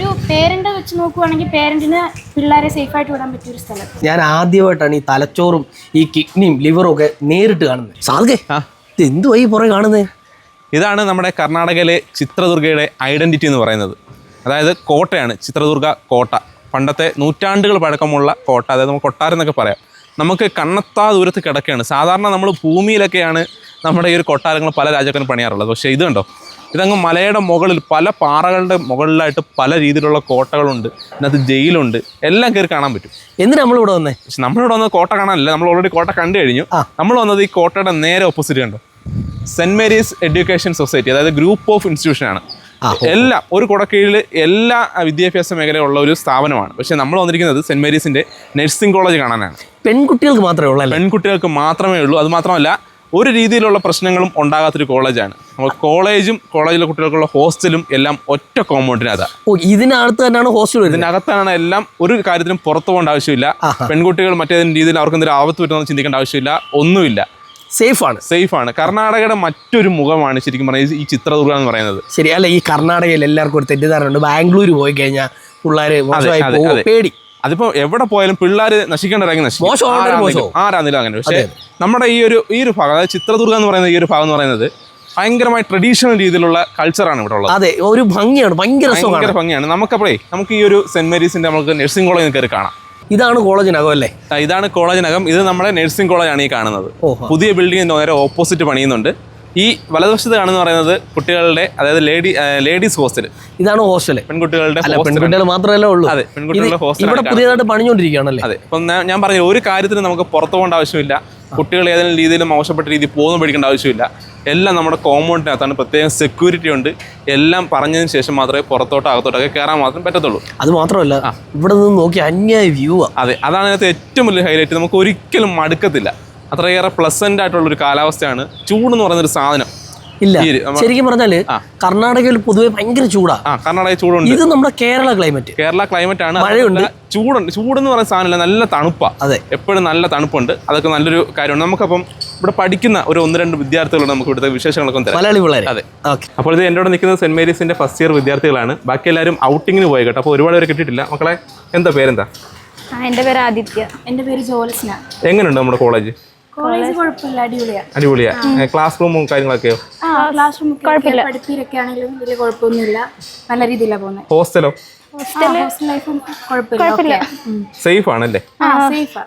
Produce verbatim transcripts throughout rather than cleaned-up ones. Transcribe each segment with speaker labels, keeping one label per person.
Speaker 1: ഒരു പേരന്റ് വെച്ച് നോക്കുവാണെങ്കിൽ പേരന്റിന് പിള്ളേരെ സേഫ് ആയിട്ട് വിടാൻ പറ്റിയ ഒരു സ്ഥലം.
Speaker 2: ഞാൻ ആദ്യമായിട്ടാണ് ഈ തലച്ചോറും ഈ കിഡ്നിയും ലിവറും ഒക്കെ നേരിട്ട് കാണുന്നത്. സാധകേ ഇത് എന്തുവായി പുറകെ കാണുന്നത്?
Speaker 3: ഇതാണ് നമ്മുടെ കർണാടകയിലെ ചിത്രദുർഗയുടെ ഐഡൻറ്റിറ്റി എന്ന് പറയുന്നത്. അതായത് കോട്ടയാണ് ചിത്രദുർഗ കോട്ട. പണ്ടത്തെ നൂറ്റാണ്ടുകൾ പഴക്കമുള്ള കോട്ട, അതായത് നമുക്ക് കൊട്ടാരം എന്നൊക്കെ പറയാം. നമുക്ക് കണ്ണെത്താ ദൂരത്ത് കിടക്കുകയാണ്. സാധാരണ നമ്മൾ ഭൂമിയിലൊക്കെയാണ് നമ്മുടെ ഈ ഒരു കൊട്ടാരങ്ങൾ പല രാജ്യക്കാരും പണിയാറുള്ളത്. പക്ഷേ ഇത് കണ്ടോ, ഇതങ്ങ് മലയുടെ മുകളിൽ പല പാറകളുടെ മുകളിലായിട്ട് പല രീതിയിലുള്ള കോട്ടകളുണ്ട്. ഇതിനകത്ത് ജയിലുണ്ട്, എല്ലാം കയറി കാണാൻ പറ്റും.
Speaker 2: എന്തിനാ നമ്മളിവിടെ വന്നേ?
Speaker 3: പക്ഷെ നമ്മളിവിടെ വന്നത് കോട്ട കാണാനല്ല, നമ്മൾ ഓൾറെഡി കോട്ട കണ്ടു കഴിഞ്ഞു. നമ്മൾ വന്നത് ഈ കോട്ടയുടെ നേരെ ഓപ്പോസിറ്റ് കണ്ടോ, സെൻറ്റ് മേരീസ് എഡ്യൂക്കേഷൻ സൊസൈറ്റി, അതായത് ഗ്രൂപ്പ് ഓഫ് ഇൻസ്റ്റിറ്റ്യൂഷനാണ്. എല്ലാം ഒരു കുടക്കീഴിൽ എല്ലാ വിദ്യാഭ്യാസ മേഖലയുള്ള ഒരു സ്ഥാപനമാണ്. പക്ഷേ നമ്മൾ വന്നിരിക്കുന്നത് സെൻറ്റ് മേരീസിൻ്റെ നഴ്സിംഗ് കോളേജ് കാണാനാണ്.
Speaker 2: പെൺകുട്ടികൾക്ക് മാത്രമേ ഉള്ളൂ?
Speaker 3: പെൺകുട്ടികൾക്ക് മാത്രമേ ഉള്ളൂ. അത് മാത്രമല്ല ഒരു രീതിയിലുള്ള പ്രശ്നങ്ങളും ഉണ്ടാകാത്തൊരു കോളേജാണ്. നമ്മൾ കോളേജും കോളേജിലെ കുട്ടികൾക്കുള്ള ഹോസ്റ്റലും എല്ലാം ഒറ്റ കോമ്പൗണ്ടിനകത്താണ്.
Speaker 2: ഓ, ഇതിനകത്ത് തന്നെയാണ് ഹോസ്റ്റൽ?
Speaker 3: ഇതിനകത്താണ് എല്ലാം. ഒരു കാര്യത്തിനും പുറത്തു പോകേണ്ട ആവശ്യമില്ല. പെൺകുട്ടികൾ മറ്റേതെങ്കിലും രീതിയിൽ അവർക്ക് എന്തെങ്കിലും ആപത്ത് പറ്റുമെന്ന് ചിന്തിക്കേണ്ട ആവശ്യമില്ല. ഒന്നുമില്ല, സേഫാണ്. സേഫാണ്. കർണാടകയുടെ മറ്റൊരു മുഖമാണ് ശരിക്കും പറഞ്ഞാൽ ഈ ചിത്രദുർഗ എന്ന് പറയുന്നത്.
Speaker 2: ശരി അല്ല, ഈ കർണാടകയിൽ എല്ലാവർക്കും ഒരു തെറ്റിദ്ധാരണ ഉണ്ട്, ബാംഗ്ലൂർ പോയി കഴിഞ്ഞാൽ പിള്ളേർ പേടി.
Speaker 3: അതിപ്പോ എവിടെ പോയാലും പിള്ളേർ നശിക്കേണ്ടവരാಗಿ നശിക്കും, ആരാന്നില്ല അങ്ങനെ. പക്ഷേ നമ്മുടെ ഈ ഒരു ഈ ഒരു ഭാഗം, അതായത് ചിത്രദുർഗ എന്ന് പറയുന്ന ഈ ഒരു ഭാഗം എന്ന് പറയുന്നത് ഭയങ്കരമായി ട്രഡീഷണൽ രീതിയിലുള്ള കൾച്ചറാണ് ഇവിടെ ഉള്ളത്.
Speaker 2: അതെ, ഒരു ഭംഗിയാണ്, ഭയങ്കര
Speaker 3: ഭയങ്കര ഭംഗിയാണ്. നമുക്കപ്പോഴേ നമുക്ക് ഈ ഒരു സെന്റ് മേരീസിന്റെ നമുക്ക് നഴ്സിംഗ് കോളേജ് കയറി കാണാം.
Speaker 2: ഇതാണ് കോളേജിനകം അല്ലേ?
Speaker 3: ഇതാണ് കോളേജിനകം. ഇത് നമ്മുടെ നഴ്സിംഗ് കോളേജാണ് ഈ കാണുന്നത്. പുതിയ ബിൽഡിങ്ങിന് നേരെ ഓപ്പോസിറ്റ് പണിയുന്നുണ്ട്. ഈ വലതുവശത്ത് കാണുന്ന പറയുന്നത് കുട്ടികളുടെ, അതായത് ലേഡി ലേഡീസ് ഹോസ്റ്റൽ.
Speaker 2: ഇതാണ് ഹോസ്റ്റൽ, പെൺകുട്ടികളുടെ. പെൺകുട്ടികൾ മാത്രമല്ല ഉള്ളൂ.
Speaker 3: അതെ, പെൺകുട്ടികളുടെ ഹോസ്റ്റൽ
Speaker 2: ഇവിടെ പുതിയതായിട്ട് പണിഞ്ഞുകൊണ്ടിരിക്കുകയാണല്ലേ?
Speaker 3: അതെ. അപ്പം ഞാൻ പറഞ്ഞ ഒരു കാര്യത്തിന് നമുക്ക് പുറത്തു പോകേണ്ട ആവശ്യമില്ല. കുട്ടികൾ ഏതെങ്കിലും രീതിയിൽ മോശപ്പെട്ട രീതിയിൽ പോകുന്നു പഠിക്കേണ്ട ആവശ്യമില്ല. എല്ലാം നമ്മുടെ കോമ്പൗണ്ടിനകത്താണ്. പ്രത്യേകം സെക്യൂരിറ്റി ഉണ്ട്. എല്ലാം പറഞ്ഞതിന് ശേഷം മാത്രമേ പുറത്തോട്ടോ അകത്തോട്ടൊക്കെ കയറാൻ മാത്രം പറ്റത്തുള്ളൂ.
Speaker 2: അത് മാത്രമല്ല ഇവിടെ നിന്ന് നോക്കി അന്യായ വ്യൂ.
Speaker 3: അതെ, അതാണ് അതിനകത്ത് ഏറ്റവും വലിയ ഹൈലൈറ്റ്. നമുക്ക് ഒരിക്കലും മടുക്കത്തില്ല. അത്രയേറെ പ്ലസന്റ് ആയിട്ടുള്ളൊരു കാലാവസ്ഥയാണ്. ചൂടെന്ന് പറയുന്നൊരു സാധനം
Speaker 2: ഇല്ല. ശരിക്കും പറഞ്ഞാല് കർണാടകയിൽ പൊതുവെ ഭയങ്കര ചൂടാ.
Speaker 3: ആ, കർണാടക ചൂടുണ്ട്.
Speaker 2: ഇത് നമ്മുടെ കേരള ക്ലൈമറ്റ്.
Speaker 3: കേരള ക്ലൈമറ്റ് ആണ്.
Speaker 2: മഴയുണ്ട്,
Speaker 3: ചൂടുണ്ട്. ചൂടെന്ന് പറയുന്ന സാധനമില്ല, നല്ല തണുപ്പാണ്.
Speaker 2: അതെ,
Speaker 3: എപ്പോഴും നല്ല തണുപ്പുണ്ട്. അതൊക്കെ നല്ലൊരു കാര്യമാണ്. നമുക്കപ്പം ഇവിടെ പഠിക്കുന്ന ഒരു ഒന്ന് രണ്ട് വിദ്യാർത്ഥികളുണ്ട്. നമുക്ക് ഇവിടുത്തെ വിശേഷങ്ങളൊക്കെ തരാം.
Speaker 2: മലയാളി പിള്ളേർ.
Speaker 3: അതെ. അപ്പോൾ ഇത് എൻ്റെ കൂടെ നിൽക്കുന്നത് സെന്റ് മേരീസിന്റെ ഫസ്റ്റ് ഇയർ വിദ്യാർത്ഥികളാണ്. ബാക്കി എല്ലാവരും ഔട്ടിങ്ങിന് പോയി കേട്ടോ. അപ്പോൾ ഒരുപാട് പേര് കിട്ടിയിട്ടില്ല. മക്കളെ, എന്താ പേരെന്താ?
Speaker 1: എൻ്റെ പേര് ആദിത്യ. എൻ്റെ പേര് ജോൽസ്ന.
Speaker 3: എങ്ങനെയുണ്ട് നമ്മുടെ കോളേജ്?
Speaker 1: കോളേജ് കുഴപ്പമില്ല, അടിപൊളിയാ.
Speaker 3: അടിപൊളിയാ. ക്ലാസ് റൂമും കാര്യങ്ങളൊക്കെയോ?
Speaker 1: ക്ലാസ് റൂം കുഴപ്പമില്ല. പഠിപ്പിലൊക്കെ ആണെങ്കിലും വലിയ കുഴപ്പമൊന്നുമില്ല, നല്ല രീതിയിലാണ് പോകുന്നത്.
Speaker 3: ഹോസ്റ്റലോ?
Speaker 1: ഹോസ്റ്റൽ ലൈഫും കുഴപ്പമില്ല,
Speaker 3: സേഫ് ആണല്ലേ?
Speaker 1: സേഫാ.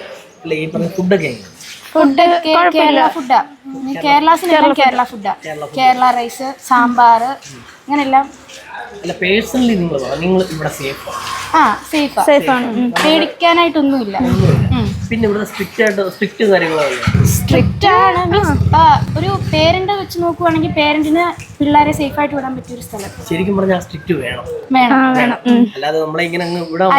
Speaker 2: ഫുഡൊക്കെ
Speaker 1: ഫുഡ് കേരള ഫുഡാ. കേരളത്തിലെല്ലാം കേരള ഫുഡാ. കേരള റൈസ്, സാമ്പാർ, അങ്ങനെല്ലാം.
Speaker 2: അല്ല, പേഴ്സണലി നിങ്ങൾ നിങ്ങൾ ഇവിടെ സേഫ്?
Speaker 1: ആ, സേഫാ. സേഫാണ്, പേടിക്കാനായിട്ടൊന്നുമില്ല.
Speaker 2: പിന്നെ ഇവിടെ സ്ട്രിക്റ്റ് ആയിട്ട് സ്ട്രിക്റ്റ് കാര്യങ്ങളാണ്.
Speaker 1: സ്ട്രിക്റ്റ് ആണ് മീൻസ് ഒരു പേരന്റ് വെച്ച് നോക്കുവാണെങ്കിൽ പേരന്റിന് പിള്ളേരെ സേഫ് ആയിട്ട് വിടാൻ പറ്റിയ ഒരു സ്ഥലം.
Speaker 2: ശരിക്കും പറഞ്ഞാൽ സ്ട്രിക്റ്റ് വേണം.
Speaker 1: വേണം വേണം
Speaker 2: അല്ലാതെ നമ്മളെ ഇങ്ങനെ അങ്ങ് വിടാൻ.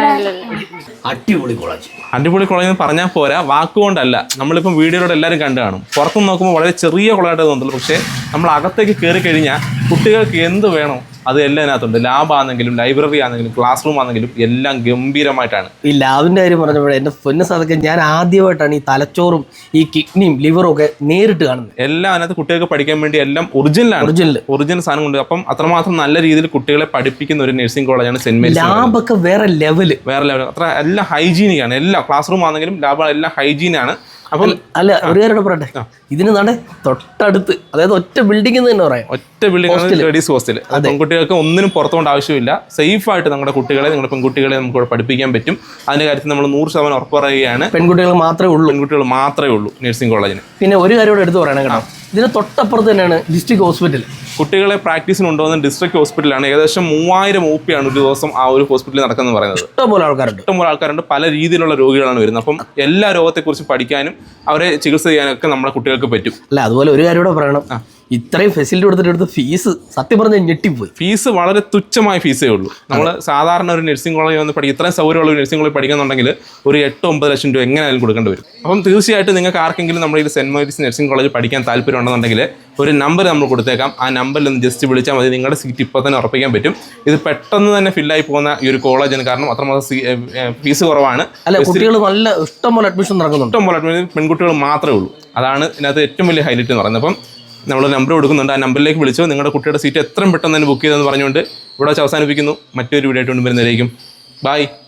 Speaker 2: അടിപൊളി കോളേജ്.
Speaker 3: അടിപൊളി കോളേജ് എന്ന് പറഞ്ഞാൽ പോരാ, വാക്കുകൊണ്ടല്ല. നമ്മളിപ്പം വീഡിയോയിലൂടെ എല്ലാവരും കണ്ടു കാണും. പുറത്തുനിന്ന് നോക്കുമ്പോൾ വളരെ ചെറിയ കോളേജായിട്ട് തോന്നുള്ളൂ. പക്ഷേ നമ്മൾ അകത്തേക്ക് കയറി കഴിഞ്ഞാൽ കുട്ടികൾക്ക് എന്ത് വേണോ അത് എല്ലാം അതിനകത്തുണ്ട്. ലാബ് ആണെങ്കിലും ലൈബ്രറി ആണെങ്കിലും ക്ലാസ് റൂം ആണെങ്കിലും എല്ലാം ഗംഭീരമായിട്ടാണ്.
Speaker 2: ഈ ലാബിന്റെ കാര്യം പറഞ്ഞപ്പോഴേ എൻ്റെ പൊന്നു സാധകം, ഞാൻ ആദ്യമായിട്ടാണ് ഈ തലച്ചോറും ഈ കിഡ്നിയും ലിവറും ഒക്കെ നേരിട്ട് കാണുന്നത്.
Speaker 3: എല്ലാം അതിനകത്ത് കുട്ടികൾക്ക് പഠിക്കാൻ വേണ്ടി എല്ലാം ഒറിജിനലാണ്. ഒറിജിനൽ ഒറിജിനൽ സാധനം കൊണ്ട്. അപ്പം അത്രമാത്രം നല്ല രീതിയിൽ കുട്ടികളെ പഠിപ്പിക്കുന്ന ഒരു നഴ്സിംഗ് കോളേജാണ് സെന്റ് മേരീസ്.
Speaker 2: ലാബൊക്കെ വേറെ ലെവല്,
Speaker 3: വേറെ ലെവൽ. അത്ര എല്ലാം ഹൈജീനിക് ആണ്. എല്ലാം ക്ലാസ് റൂം ആണെങ്കിലും ലാബ് എല്ലാം ഹൈജീനാണ്. അപ്പം
Speaker 2: അല്ല, ഒരു കാര്യം പറയട്ടെ, ഇതിന് നട തൊട്ടടുത്ത്, അതായത് ഒറ്റ ബിൽഡിംഗ് തന്നെ പറയാം,
Speaker 3: ഒറ്റ ബിൽഡിംഗ് ലേഡീസ് ഹോസ്റ്റൽ. പെൺകുട്ടികൾക്ക് ഒന്നിനും പുറത്തുകൊണ്ട് ആവശ്യമില്ല. സേഫ് ആയിട്ട് നമ്മുടെ കുട്ടികളെ, നിങ്ങളുടെ പെൺകുട്ടികളെ നമുക്ക് ഇവിടെ പഠിപ്പിക്കാൻ പറ്റും. അതിന്റെ കാര്യത്തിൽ നമ്മൾ നൂറ് ശതമാനം ഉറപ്പ് പറയുകയാണ്.
Speaker 2: പെൺകുട്ടികൾ മാത്രമേ ഉള്ളൂ.
Speaker 3: പെൺകുട്ടികൾ മാത്രമേ ഉള്ളൂ നഴ്സിംഗ് കോളേജിന്.
Speaker 2: പിന്നെ ഒരു കാര്യം കൂടെ എടുത്ത് പറയണം കേട്ടോ, ഇതിന് തൊട്ടപ്പുറത്ത് തന്നെയാണ് ഡിസ്ട്രിക്ട് ഹോസ്പിറ്റൽ.
Speaker 3: കുട്ടികളെ പ്രാക്ടീസിന് കൊണ്ടുവന്ന ഡിസ്ട്രിക്ട് ഹോസ്പിറ്റലാണ്. ഏകദേശം മൂവായിരം ഒ പി ആണ് ഒരു ദിവസം ആ ഒരു ഹോസ്പിറ്റലിൽ നടക്കുന്നത് പറയുന്നത്.
Speaker 2: ഇഷ്ടംപോലെ ആൾക്കാരുണ്ട്.
Speaker 3: ഇഷ്ടംപോലെ ആൾക്കാരുണ്ട്. പല രീതിയിലുള്ള രോഗികളാണ് വരുന്നത്. അപ്പം എല്ലാ രോഗത്തെക്കുറിച്ച് പഠിക്കാനും അവരെ ചികിത്സ ചെയ്യാനൊക്കെ നമ്മുടെ കുട്ടികൾക്ക് പറ്റും.
Speaker 2: അല്ല, അതുപോലെ ഒരു കാര്യം കൂടെ പറയണം, ഇത്രയും ഫെസിലിറ്റി കൊടുത്തിട്ട് എടുത്ത് ഫീസ് സത്യം പറഞ്ഞാൽ ഞെട്ടിപ്പോയി.
Speaker 3: ഫീസ് വളരെ തുച്ഛമായ ഫീസേ ഉള്ളൂ. നമ്മൾ സാധാരണ ഒരു നഴ്സിംഗ് കോളേജ് വന്ന് പഠിക്കും, ഇത്രയും സൗകര്യമുള്ള ഒരു നഴ്സിംഗ് കോളേജ് പഠിക്കുന്നുണ്ടെങ്കിൽ ഒരു എട്ട് ഒമ്പത് ലക്ഷം രൂപ എങ്ങനെയായാലും കൊടുക്കേണ്ടി വരും. അപ്പം തീർച്ചയായിട്ടും നിങ്ങൾക്ക് ആർക്കെങ്കിലും നമ്മുടെ ഈ സെന്റ് മേരീസ് നഴ്സിംഗ് കോളേജ് പഠിക്കാൻ താല്പര്യം ഉണ്ടെന്നുണ്ടെങ്കിൽ ഒരു നമ്പർ നമ്മൾ കൊടുത്തേക്കാം. ആ നമ്പറിൽ ഒന്ന് ജസ്റ്റ് വിളിച്ചാൽ മതി. നിങ്ങളുടെ സീറ്റ് ഇപ്പോൾ തന്നെ ഉറപ്പിക്കാൻ പറ്റും. ഇത് പെട്ടെന്ന് തന്നെ ഫില്ലായി പോകുന്ന ഈ ഒരു കോളേജാണ്. കാരണം അത്രമാത്രം ഫീസ് കുറവാണ്.
Speaker 2: അല്ല, കുട്ടികൾ നല്ല ഇഷ്ടംപോലെ അഡ്മിഷൻ നടക്കുന്നുണ്ട്.
Speaker 3: ഇഷ്ടംപോലെ അഡ്മിഷൻ പെൺകുട്ടികൾ മാത്രമേ ഉള്ളൂ. അതാണ് ഇതിനകത്ത് ഏറ്റവും വലിയ ഹൈലൈറ്റ് എന്ന് പറയുന്നത്. അപ്പം നമ്മൾ നമ്പർ കൊടുക്കുന്നുണ്ട്. ആ നമ്പറിലേക്ക് വിളിച്ചോ. നിങ്ങളുടെ കുട്ടിയുടെ സീറ്റ് എത്രയും പെട്ടെന്ന് തന്നെ ബുക്ക് ചെയ്തെന്ന് പറഞ്ഞുകൊണ്ട് ഇവിടെ വെച്ച് അവസാനിപ്പിക്കുന്നു. മറ്റൊരു വീഡിയോ ആയിട്ട് കൊണ്ടുവരുന്നതായിരിക്കും. ബൈ.